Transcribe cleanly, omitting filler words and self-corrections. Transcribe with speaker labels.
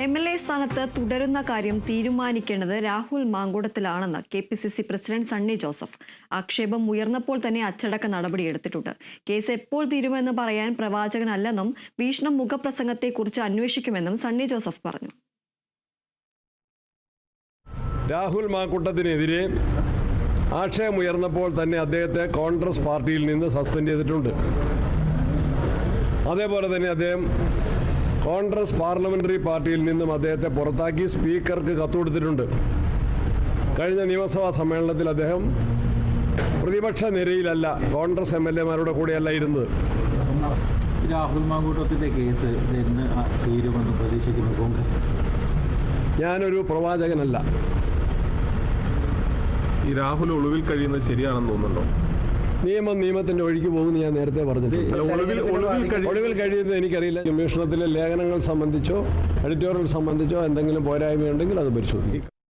Speaker 1: MLA സ്ഥാനത്ത് തുടരുന്ന കാര്യം തീരുമാനിക്കേണ്ടത് രാഹുൽ മാങ്കൂട്ടത്തിലാണെന്ന് KPCC പ്രസിഡന്റ് സണ്ണി ജോസഫ്. ആക്ഷേപം ഉയർന്നപ്പോൾ തന്നെ അച്ചടക്ക നടപടിയെടുത്തിട്ടുണ്ട്. കേസ് എപ്പോൾ തീരുമെന്ന് പറയാൻ പ്രവാചകനല്ലെന്നും ഭീഷണം മുഖപ്രസംഗത്തെക്കുറിച്ച് അന്വേഷിക്കുമെന്നും സണ്ണി ജോസഫ് പറഞ്ഞു.
Speaker 2: രാഹുൽ മാങ്കൂട്ടത്തിനെതിരെ ആക്ഷേപമുയർന്നപ്പോൾ തന്നെ അദ്ദേഹത്തെ കോൺഗ്രസ് പാർട്ടിയിൽ നിന്ന് സസ്പെൻഡ് ചെയ്തിട്ടുണ്ട്. അതേപോലെ തന്നെ അദ്ദേഹം കോൺഗ്രസ് പാർലമെന്ററി പാർട്ടിയിൽ നിന്നും അദ്ദേഹത്തെ പുറത്താക്കി സ്പീക്കർക്ക് കത്തുകൊടുത്തിട്ടുണ്ട്. കഴിഞ്ഞ നിയമസഭാ സമ്മേളനത്തിൽ അദ്ദേഹം പ്രതിപക്ഷ നിരയിലല്ല, കോൺഗ്രസ് MLA-മാരുടെ കൂടെയല്ല ഇരുന്നത്.
Speaker 3: രാഹുൽ മാങ്കൂട്ടത്തിൻ്റെ കേസ് തീരുമെന്ന് പ്രതീക്ഷിക്കുന്നു കോൺഗ്രസ്.
Speaker 2: ഞാനൊരു പ്രവാചകനല്ല.
Speaker 4: ഈ രാഹുൽ ഒളിവിൽ കഴിയുന്നത് ശരിയാണെന്ന് തോന്നുന്നുണ്ടോ?
Speaker 2: നിയമത്തിന്റെ ഒഴുക്കി പോകുന്നു ഞാൻ നേരത്തെ പറഞ്ഞിട്ടുണ്ട്. ഒളിവിൽ കഴിയുന്നത് എനിക്കറിയില്ല. അന്വേഷണത്തിലെ ലേഖനങ്ങൾ സംബന്ധിച്ചോ എഡിറ്റോറിയൽ സംബന്ധിച്ചോ എന്തെങ്കിലും പോരായ്മയുണ്ടെങ്കിൽ അത് പരിശോധിക്കും.